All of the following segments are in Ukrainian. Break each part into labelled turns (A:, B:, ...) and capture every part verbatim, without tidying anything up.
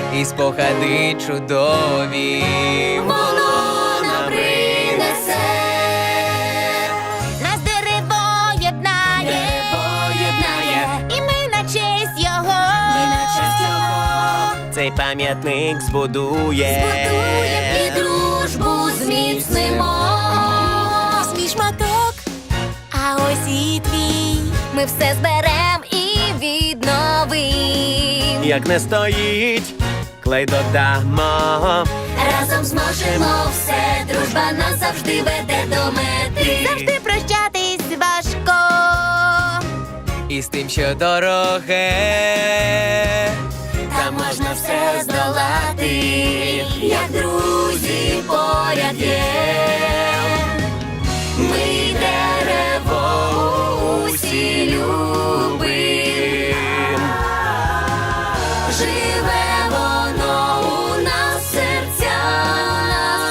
A: і спогади чудові
B: воно нам принесе. Нас дерево єднає, і ми на честь його, ми на честь його
C: цей пам'ятник збудує,
B: збудує і дружбу зміцнимо. Ось мій шматок, а ось і твій. Ми все зберем і відновим.
C: як не стоїть, клей додамо.
B: Разом зможемо все, дружба нас завжди веде до мети. Завжди прощатись важко,
A: і з тим, що дороге,
B: та можна все здолати, як друзі поряд є. Ми дерево усі любим, живе воно у нас в серцях,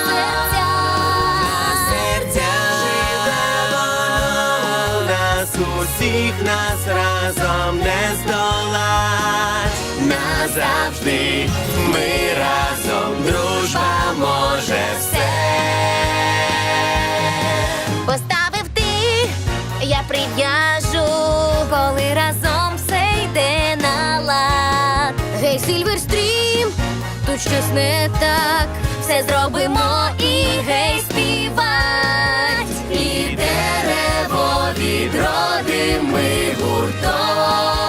C: Серця живе воно, нас усіх, нас разом не здолать. Назавжди ми разом, дружба може все.
B: Поставив ти, я прив'яжу, коли разом все йде на лад. Гей, Сильверстрім, тут щось не так, все зробимо і гей співать. І дерево відродим ми гуртом.